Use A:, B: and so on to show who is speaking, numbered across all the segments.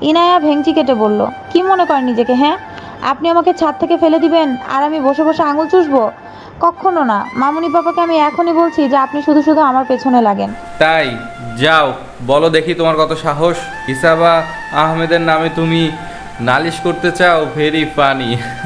A: ইনায়া ভেংচি কেটে বলল, কি মনে করেন নিজেকে? হ্যাঁ, আপনি আমাকে ছাদ থেকে ফেলে দিবেন আর আমি বসে বসে আঙুল চুষবো? কখনো না। মামুনি পাপাকে আমি এখনই বলছি যে আপনি শুধু শুধু আমার পেছনে লাগেন।
B: তাই? যাও বলো দেখি তোমার কত সাহস। ইসাবা আহমেদের নামে তুমি নালিশ করতে চাও? Very funny.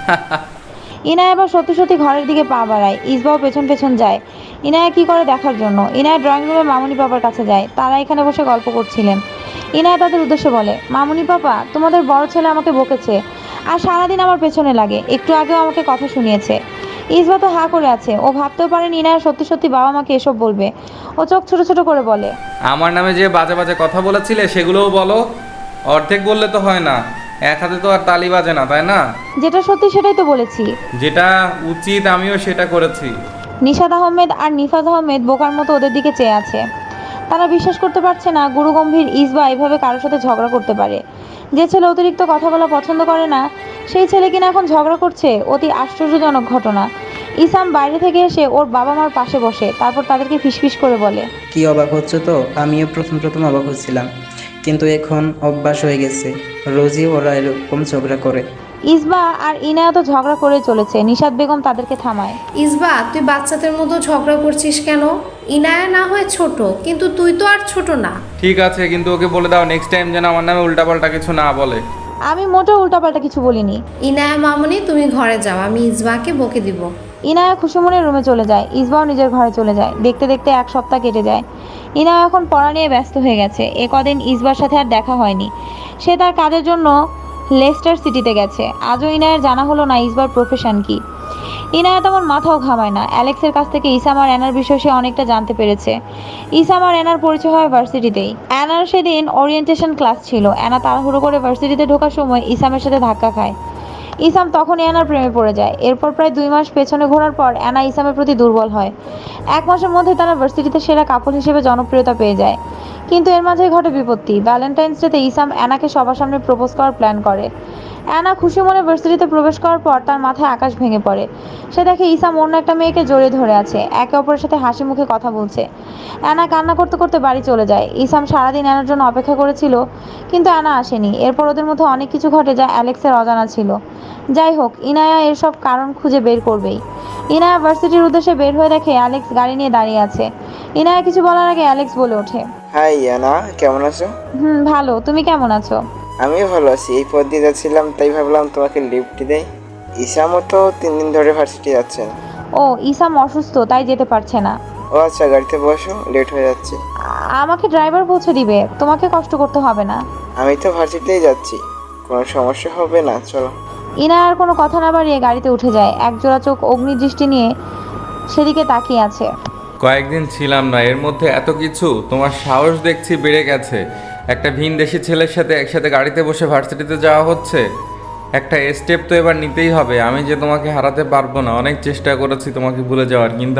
A: ইনায়া এবার সত্যি সত্যি ঘরের দিকে পা বাড়ায়। ইসবাও পেছন পেছন যায় ইনায়া কি করে দেখার জন্য। ইনায়া ড্রয়িং রুমে মামুনি পাপার কাছে যায়। তারা এখানে বসে গল্প করছিলেন। ইনায়া তাদের উদ্দেশ্যে বলে, মামুনি পাপা, তোমাদের বড় ছেলে আমাকে বকেছে আর সারাদিন আমার পেছনে লাগে। একটু আগেও আমাকে কথা শুনিয়েছে। ইসবা তো হা করে আছে। ও ভাবতেও পারেনি ইনায়া সত্যি সত্যি বাবা মাকে এসব বলবে। ও চোখ ছোট ছোট করে বলে,
B: আমার নামে যে বাজে বাজে কথা বলেছিলে সেগুলোও বলো। অর্ধেক বললে তো হয় না, এক হাতে তো আর তালি বাজে না, তাই না?
A: যেটা সত্যি সেটাই তো বলেছি।
B: যেটা উচিত আমিও সেটা করেছি।
A: নিশাদ আহমেদ আর নিফাজ আহমেদ বোকার মতো ওদের দিকে চেয়ে আছে। তারা বিশ্বাস করতে পারছে না গুরুগম্ভীর ইসবা এভাবে কারোর সাথে ঝগড়া করতে পারে। যে ছেলে অতিরিক্ত কথা বলা পছন্দ করে না, সেই ছেলে কিনা এখন ঝগড়া করছে। অতি আশ্চর্যজনক ঘটনা। ইসাম বাইরে থেকে এসে ওর বাবা মার পাশে বসে, তারপর তাদেরকে ফিসফিস করে বলে,
C: কি অবাক হচ্ছে তো? আমিও প্রথম প্রথম অবাক হচ্ছিলাম, কিন্তু এখন অভ্যাস হয়ে গেছে। রোজই ওরা এরকম ঝগড়া করে।
A: ইসবা আর ইনায়া তো ঝগড়া করে চলেছে। নিশাদ বেগম তাদেরকে থামায়।
D: ইসবা, তুই বাচ্চাদের মতো ঝগড়া করছিস কেন? ইনায়া না হয় ছোট, কিন্তু তুই তো আর ছোট না।
B: ঠিক আছে, কিন্তু ওকে বলে দাও নেক্সট টাইম যেন আমার নামে উল্টাপাল্টা কিছু না বলে।
A: আমি মোটেও উল্টাপাল্টা কিছু বলিনি।
D: ইনায়া মামুনি, তুমি ঘরে যাও, আমি ইসবাকে বকে দিব।
A: ইনায়া খুশি মনে রুমে চলে যায়। ইসবাও নিজের ঘরে চলে যায়। দেখতে দেখতে এক সপ্তাহ কেটে যায়। ইনায়া এখন পড়া নিয়ে ব্যস্ত হয়ে গেছে। এ কদিন ইসবার সাথে আর দেখা হয়নি। সে তার কাজের জন্য লেস্টার সিটিতে গেছে। আজও ইনায়ার জানা হলো না ইসবার প্রফেশন কি। ইনায়া তেমন মাথাও ঘামায় না। অ্যালেক্সের কাছ থেকে ইসাম আর অ্যানার বিষয়ে সে অনেকটা জানতে পেরেছে। ইসাম আর অ্যানার পরিচয় হয় ভার্সিটিতেই। অ্যানার সেদিন ওরিয়েন্টেশন ক্লাস ছিল। অ্যানা তাড়াহুড়ো করে ভার্সিটিতে ঢোকার সময় ইসামের সাথে ধাক্কা খায়। ইসাম তখনই অ্যানার প্রেমে পড়ে যায়। এরপর প্রায় 2 মাস পেছনে ঘোরার পর অ্যানা ইসামের প্রতি দুর্বল হয়। 1 মাসের মধ্যে তারা ভার্সিটিতে সেরা কাপল হিসেবে জনপ্রিয়তা পেয়ে যায়। কিন্তু এর মাঝেই ঘটে বিপত্তি। ভ্যালেন্টাইন্স ডেতে ইসাম অ্যানাকে সবার সামনে প্রপোজ করার প্ল্যান করে। অ্যানা খুশি মনে ভার্সিটিতে প্রবেশ করার পর তার মাথায় আকাশ ভেঙে পড়ে। সে দেখে ইসাম অন্য একটা মেয়েকে জড়িয়ে ধরে আছে, একে অপরের সাথে হাসি মুখে কথা বলছে। অ্যানা কান্না করতে করতে বাড়ি চলে যায়। ইসাম সারাদিন অ্যানার জন্য অপেক্ষা করেছিল, কিন্তু অ্যানা আসেনি। এরপর ওদের মধ্যে অনেক কিছু ঘটে যা অ্যালেক্সের অজানা ছিল। যাই হোক, ইনায়া এর সব কারণ খুঁজে বের করবেই। ইনায়া ভার্সিটির উদ্দেশ্যে বের হয়ে দেখে অ্যালেক্স গাড়ি নিয়ে দাঁড়িয়ে আছে। ইনায়া কিছু বলার আগে অ্যালেক্স বলে ওঠে,
E: হাই ইয়ানা, কেমন আছো?
A: ভালো, তুমি কেমন আছো?
E: আমিও ভালো আছি। এই পথ দিয়ে যাচ্ছিলাম, তাই ভাবলাম তোমাকে লিফট দেই। ইসামও তো 3 দিন ধরে ভার্সিটি যাচ্ছেন।
A: ও, ইসাম অসুস্থ তাই যেতে পারছে না।
E: ও আচ্ছা, গাড়িতে বসো, লেট হয়ে যাচ্ছে।
A: আমাকে ড্রাইভার পৌঁছে দিবে, তোমাকে কষ্ট করতে হবে না।
E: আমি তো ভার্সিটিতেই যাচ্ছি, কোনো সমস্যা হবে না, চলো।
A: ইনা আর কোনো কথা না বাড়িয়ে গাড়িতে উঠে যায়। একজোড়া চোখ অগ্নিদৃষ্টি নিয়ে সেদিকে তাকিয়ে আছে।
B: কয়েকদিন ছিলাম না, এর মধ্যে এত কিছু! তোমার সাহস দেখছি বেড়ে গেছে। একটা ভিনদেশি ছেলের সাথে একসাথে গাড়িতে বসে ভার্সিটিতে যাওয়া হচ্ছে। একটা স্টেপ তো এবার নিতেই হবে। আমি যে তোমাকে হারাতে পারবো না। অনেক চেষ্টা করেছি তোমাকে ভুলে যাওয়ার, কিন্তু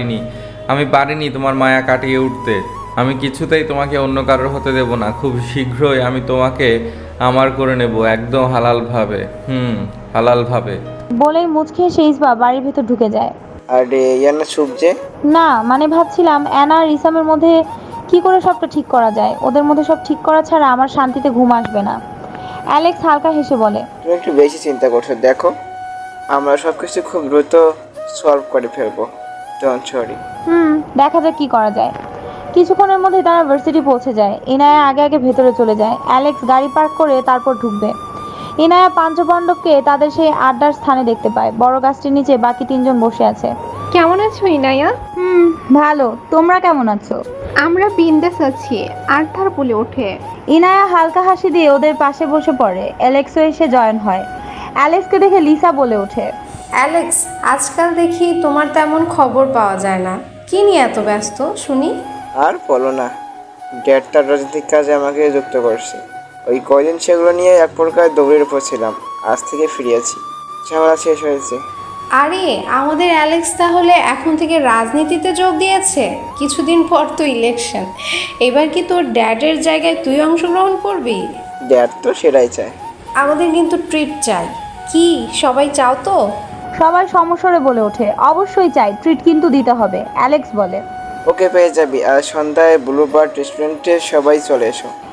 B: আমি পারিনি তোমার মায়া কাটিয়ে উঠতে। আমি কিছুতেই তোমাকে অন্য কারোর হতে দেব না। খুব শীঘ্রই আমি তোমাকে আমার করে নেব, একদম হালালভাবে। হালালভাবে।
A: বলেই মুচকি হেসে ইসবা বাড়ির ভেতর ঢুকে যায়।
E: আরে ইয়ানা, চুপ যে।
A: না মানে ভাবছিলাম অ্যানা আর ইসামের মধ্যে কি করে সবটা ঠিক করা যায়। ওদের মধ্যে সব ঠিক করা ছাড়া আমার শান্তিতে ঘুম আসবে না। অ্যালেক্স হালকা হেসে বলে,
E: তুমি একটু বেশি চিন্তা করছো। দেখো, আমরা সব কিছু খুব দ্রুত সলভ করে ফেলবো। Don't worry.
A: দেখা যাক কি করা যায়। কিছুক্ষণের মধ্যে তারা ভার্সিটি পৌঁছে যায়। ইনায়া আগে আগে ভেতরে চলে যায়। অ্যালেক্স গাড়ি পার্ক করে তারপর ঢুকবে। ইনায়া পাঞ্চপাণ্ডবকে তাদের সেই আড্ডার স্থানে দেখতে পায়। বড় গাছটির নিচে বাকি 3জন বসে আছে।
F: কেমন আছো ইনায়া?
A: ভালো, তোমরা কেমন আছো?
F: আমরা বিন্দাস আছি। আর্থার বলে ওঠে।
A: ইনায়া হালকা হাসি দিয়ে ওদের পাশে বসে পড়ে। অ্যালেক্সও এসে জয়েন হয়। অ্যালেক্সকে দেখে লিসা বলে ওঠে,
D: অ্যালেক্স, আজকাল দেখি তোমার তেমন খবর পাওয়া যায় না। কি নিয়ে এত ব্যস্ত শুনি?
E: আর বলো না, ড্যাড তার রাজনৈতিক কাজে আমাকে যুক্ত করছে। ওই কয়দিন সেগুলো নিয়ে এক প্রকার দৌড়ের উপর ছিলাম। আজ থেকে ফিরিয়েছি, ঝামেলা শেষ হয়েছে।
D: আরে, আমাদের অ্যালেক্স তাহলে এখন থেকে রাজনীতিতে যোগ দিয়েছে? কিছুদিন পর তো ইলেকশন। এবার কি তোর ড্যাডের জায়গায় তুই অংশগ্রহণ করবি?
E: ড্যাড তো সেটাই চায়।
D: আমাদের কিন্তু ট্রিট চাই। কি সবাই চাও তো?
A: সবাই সমস্বরে বলে ওঠে, অবশ্যই চাই, ট্রিট কিন্তু দিতে হবে। অ্যালেক্স বলে,
E: ওকে, পেয়ে যাবি। আর সন্ধ্যায় ব্লুবার্ড রেস্টুরেন্টে সবাই চলে এসো।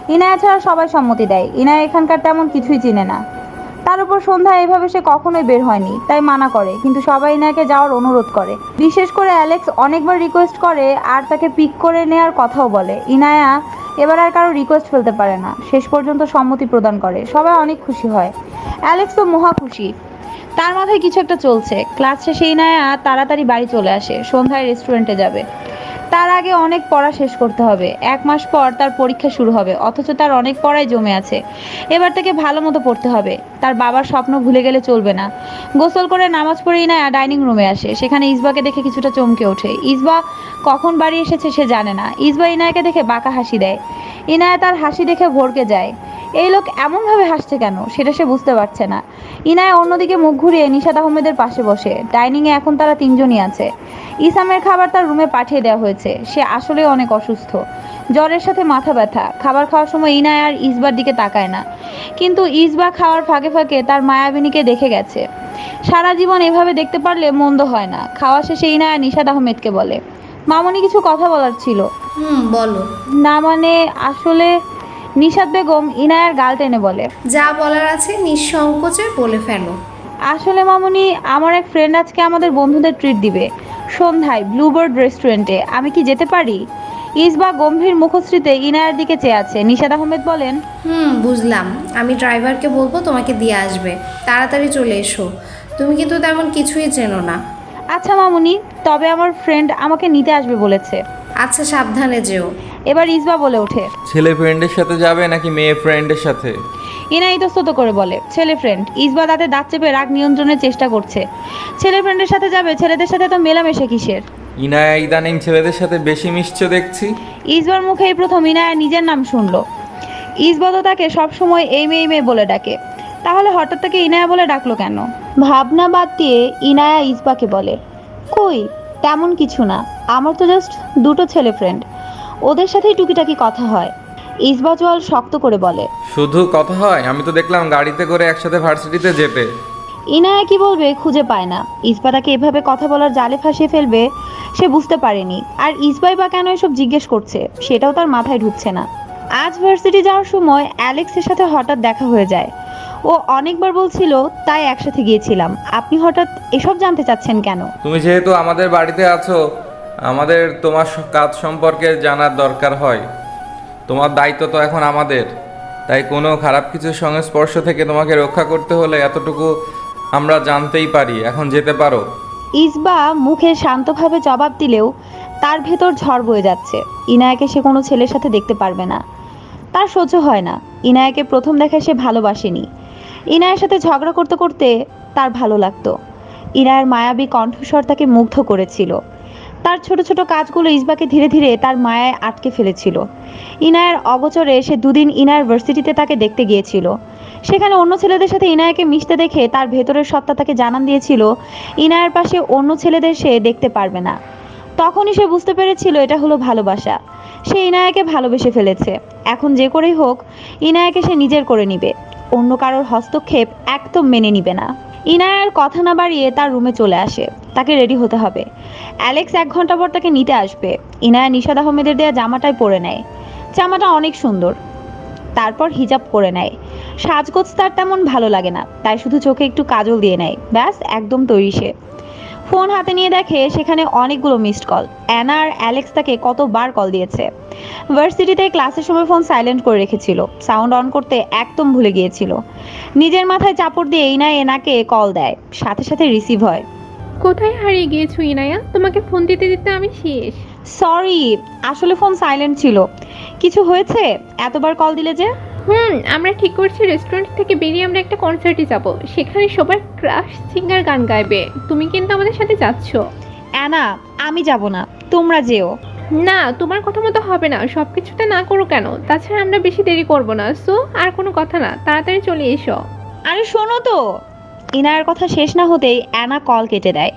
A: ইনায়া ছাড়া সবাই সম্মতি দেয়। ইনায়া এখানকার তেমন কিছুই চিনে না। তার উপর সন্ধ্যা এভাবে সে কখনোই বের হয়নি, তাই মানা করে, কিন্তু সবাই ইনায়াকে যাওয়ার অনুরোধ করে। বিশেষ করে অ্যালেক্স অনেকবার রিকোয়েস্ট করে আর তাকে পিক করে নেওয়ার কথাও বলে। ইনায়া এবার আর কারো রিকোয়েস্ট ফেলতে পারে না, শেষ পর্যন্ত সম্মতি প্রদান করে। সবাই অনেক খুশি হয়, অ্যালেক্স তো মহা খুশি। তার মাথায় কিছু একটা চলছে। ক্লাস শেষে ইনায়া তাড়াতাড়ি বাড়ি চলে আসে, সন্ধ্যায় রেস্টুরেন্টে যাবে। তার আগে অনেক পড়া শেষ করতে হবে। 1 মাস পর তার পরীক্ষা শুরু হবে, অথচ তার অনেক পড়াই জমে আছে। এবার তাকে ভালো মতো পড়তে হবে। তার বাবার স্বপ্ন ভুলে গেলে চলবে না। গোসল করে নামাজ পড়ে ইনায়া ডাইনিং রুমে আসে। সেখানে ইসবাকে দেখে কিছুটা চমকে ওঠে। ইসবা কখন বাড়ি এসেছে সে জানে না। ইসবা ইনায়াকে দেখে বাঁকা হাসি দেয়। ইনায়া তার হাসি দেখে ভড়কে যায়। এই লোক এমনভাবে হাসছে কেন সেটা সে বুঝতে পারছে না। ইনায়া অন্যদিকে মুখ ঘুরিয়ে নিশাত আহমেদের পাশে বসে। ডাইনিংয়ে এখন তারা 3 জনই আছে। ইসামের খাবার তার রুমে পাঠিয়ে দেওয়া হয়েছে। সে আসলে অনেক অসুস্থ, জ্বরের সাথে মাথা ব্যথা। খাবার খাওয়ার সময় ইনায়া আর ইসবার দিকে তাকায় না, কিন্তু ইসবা খাওয়ার ফাঁকে ফাঁকে তার মায়াবিনীকে দেখে গেছে। সারা জীবন এভাবে দেখতে পারলে মন্দ হয় না। খাওয়া শেষে ইনায়া নিশাত আহমেদকে বলে, মামনি কিছু কথা বলার ছিল।
D: বলো।
A: না মানে আসলে নিশাত বেগম ইনায়ার গাল টেনে বলে,
D: যা বলার আছে নিঃসংকোচে বলে ফেলো।
A: আসলে মামনি, আমার এক ফ্রেন্ড আজকে আমাদের বন্ধুদের ট্রিট দিবে সন্ধ্যায় ব্লুবার্ড রেস্টুরেন্টে। আমি কি যেতে পারি? ইসবা গম্ভীর মুখশ্রীতে ইনায়ার দিকে চেয়ে আছে। নিশাত আহমেদ বলেন,
D: বুঝলাম। আমি ড্রাইভারকে বলবো তোমাকে দিয়ে আসবে। তাড়াতাড়ি চলে এসো। তুমি কিন্তু তেমন কিছুই চেনো না।
A: আচ্ছা মামুনি, তবে আমার ফ্রেন্ড আমাকে নিতে আসবে বলেছে।
D: আচ্ছা, সাবধানে যেও।
A: এবার ইসবা বলে ওঠে,
B: ছেলে ফ্রেন্ডের সাথে যাবে নাকি মেয়ে ফ্রেন্ডের সাথে?
A: ইনা ইতস্তত করে বলে, ছেলে ফ্রেন্ড। ইসবা তাতে দাঁত চেপে রাগ নিয়ন্ত্রণের চেষ্টা করছে। ছেলে ফ্রেন্ডের সাথে যাবে, ছেলেদের সাথে তো মেলামেশা কিসের?
B: ইনায়া ইদানিং ছেলেদের সাথে বেশি মিশছে দেখছি।
A: ইসবার মুখে এই প্রথম ইনায়া নিজের নাম শুনলো। ইসবা তো তাকে সবসময় এই মেয়ে বলে ডাকে, তাহলে হঠাৎ তাকে ইনায়া বলে ডাকলো কেন? ভাবনা বাদ দিয়ে ইনায়া ইসবাকে বলে, কই তেমন কিছু না, আমার তো জাস্ট 2টো ছেলে ফ্রেন্ড, ওদের সাথেই টুকিটাকি কথা হয়। ইসবা জল শক্ত করে বলে,
B: শুধু কথা হয়? আমি তো দেখলাম গাড়িতে করে একসাথে ভার্সিটিতে যেতে।
A: ইনায়া কি বলবে খুঁজে পায় না। ইসবা তাকে এভাবে কথা বলার জালে ফাঁসিয়ে ফেলবে সে বুঝতে পারেনি। আর ইসবাই বা কেন এসব জিজ্ঞেস করছে সেটাও তার মাথায় ঢুকছে না। আজ ভার্সিটি যাওয়ার সময় অ্যালেক্সের সাথে হঠাৎ দেখা হয়ে যায়। ও অনেকবার বলছিল তাই একসাথে গিয়েছিলাম। আপনি হঠাৎ এসব জানতে চাচ্ছেন কেন?
B: তুমি যেহেতু আমাদের বাড়িতে আছো, আমাদের তোমার কাজ সম্পর্কে জানার দরকার হয়। তোমার দায়িত্ব তো এখন আমাদের, তাই কোনো খারাপ কিছুর সংস্পর্শ থেকে তোমাকে রক্ষা করতে হলে এতটুকু আমরা জানতেই পারি। এখন যেতে পারো।
A: ইসবা মুখে শান্তভাবে জবাব দিলেও তার ভেতর ঝড় বয়ে যাচ্ছে। ইনায়াকে সে কোনো ছেলের সাথে দেখতে পারবে না, তার সহ্য হয় না। ইনায়াকে প্রথম দেখায় সে ভালোবাসেনি। ইনায়ের সাথে ঝগড়া করতে করতে তার ভালো লাগতো। ইনায়ের মায়াবী কণ্ঠস্বর তাকে মুগ্ধ করেছিল। তার ছোট ছোট কাজগুলো ইসবাকে ধীরে ধীরে তার মায়ায় আটকে ফেলেছিল। ইনায়ের অগোচরে সে 2 দিন ইনায়ের ভার্সিটিতে তাকে দেখতে গিয়েছিল। সেখানে অন্য ছেলেদের সাথে ইনায়াকে মিশতে দেখে তার ভেতরের সত্তা তাকে জানান দিয়েছিল ইনায়ের পাশে অন্য ছেলেদের সে দেখতে পারবে না। তখনই সে বুঝতে পেরেছিল এটা হলো ভালোবাসা। সে ইনায়াকে ভালোবেসে ফেলেছে। এখন যে করেই হোক ইনায়াকে সে নিজের করে নিবে, অন্য কারোর হস্তক্ষেপ একদম মেনে নিবে না। ইনায়ার কথা না বাড়িয়ে তার রুমে চলে আসে। তাকে রেডি হতে হবে। অ্যালেক্স 1 ঘন্টা পর তাকে নিতে আসবে। ইনায়া নিশাত আহমেদের দেয়া জামাটাই পরে নেয়। জামাটা অনেক সুন্দর। তারপর হিজাব করে নেয়। সাজগোজ তার তেমন ভালো লাগে না, তাই শুধু চোখে একটু কাজল দিয়ে নেয়, ব্যাস একদম তৈরি সে। ফোন হাতে নিয়ে দেখে সেখানে অনেকগুলো মিসড কল। অ্যানা আর অ্যালেক্স তাকে কতবার কল দিয়েছে। ভার্সিটিতে ক্লাসের সময় ফোন সাইলেন্ট করে রেখেছিল, সাউন্ড অন করতে একদম ভুলে গিয়েছিল। নিজের মাথায় চাপড় দিয়ে এনাকে কল দেয়, সাথে সাথে রিসিভ হয়।
F: কোথায় হারিয়ে গিয়েছো ইনায়া? তোমাকে ফোন দিতে দিতে আমি শেষ।
A: সরি, আসলে ফোন সাইলেন্ট ছিল। কিছু হয়েছে? এতবার কল দিলে যে?
F: আমরা ঠিক করছি রেস্টুরেন্ট থেকে বেরিয়ে আমরা একটা কনসার্টে যাব। সেখানে সবার ক্রাশ সিঙ্গার গান গাইবে। তুমি কিন্তু আমাদের সাথে যাচ্ছ।
A: অ্যানা, আমি যাব না, তোমরা যেও।
F: না, তোমার কথা মতো হবে না। সব কিছুতে না করো কেন? তাছাড়া আমরা বেশি দেরি করব না। সো আর কোনো কথা না, তাড়াতাড়ি চলে এসো।
A: আরে শোনো তো। ইনার কথা শেষ না হতেই অ্যানা কল কেটে দেয়।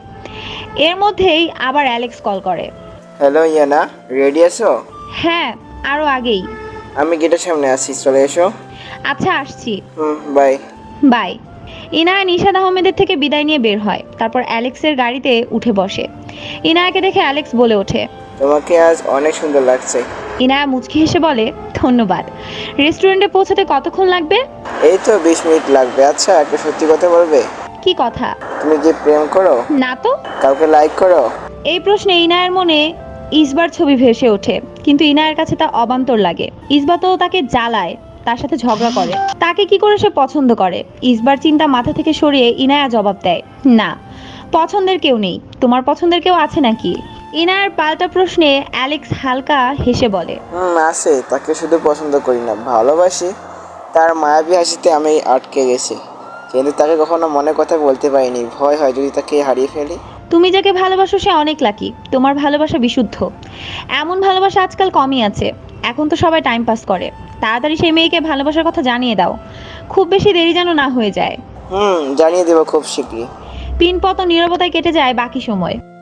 A: এর মধ্যেই আবার অ্যালেক্স কল করে।
E: হ্যালো ইয়ানা, রেডি আছো?
A: হ্যাঁ, আরও আগেই।
E: আমি গেটের সামনে আছি, চলে এসো।
A: আচ্ছা, আসছি।
E: বাই।
A: বাই। ইনায়া নিশাত আহমেদের থেকে বিদায় নিয়ে বের হয়। তারপর অ্যালেক্সের গাড়িতে উঠে বসে। ইনায়াকে দেখে অ্যালেক্স বলে ওঠে,
E: তোমাকে আজ অনেক সুন্দর লাগছে।
A: ইনায়া মুচকি হেসে বলে, ধন্যবাদ। রেস্টুরেন্টে পৌঁছাতে কতক্ষণ লাগবে?
E: এই তো 20 মিনিট লাগবে। আচ্ছা, একটা সত্যি কথা বলবে?
A: কি কথা?
E: তুমি কি প্রেম করো?
A: না তো।
E: কাউকে লাইক করো?
A: এই প্রশ্নে ইনায়ের মনে ইসবার ছবি ভেসে ওঠে, কিন্তু ইনায়ের কাছে তা অবান্তর লাগে। ইসবা তো তাকে জ্বালায়, তার সাথে ঝগড়া করে, তাকে কি করে সে পছন্দ করে? ইসবার চিন্তা মাথা থেকে সরিয়ে ইনায়া জবাব দেয়, না, পছন্দের কেউ নেই। তোমার পছন্দের কেউ আছে নাকি? ইনায়ার পাল্টা প্রশ্নে অ্যালেক্স হালকা হেসে বলে,
E: আছে, তাকে শুধু পছন্দ করি না, ভালোবাসি। তার মায়াবী হাসিতে আমি আটকে গেছি, কিন্তু তাকে কখনো মনের কথা বলতে পারিনি। ভয় হয় যদি তাকে হারিয়ে ফেলি।
A: তুমি যাকে ভালোবাসো সে অনেক লাকি, তোমার ভালোবাসা বিশুদ্ধ। এমন ভালোবাসা আজকাল কমই আছে, এখন তো সবাই টাইম পাস করে। তাড়াতাড়ি সেই মেয়েকে ভালোবাসার কথা জানিয়ে দাও, খুব বেশি দেরি যেন না হয়ে যায়।
E: জানিয়ে দেবো খুব শীঘ্রই।
A: পিনপতন নীরবতায় কেটে যায় বাকি সময়।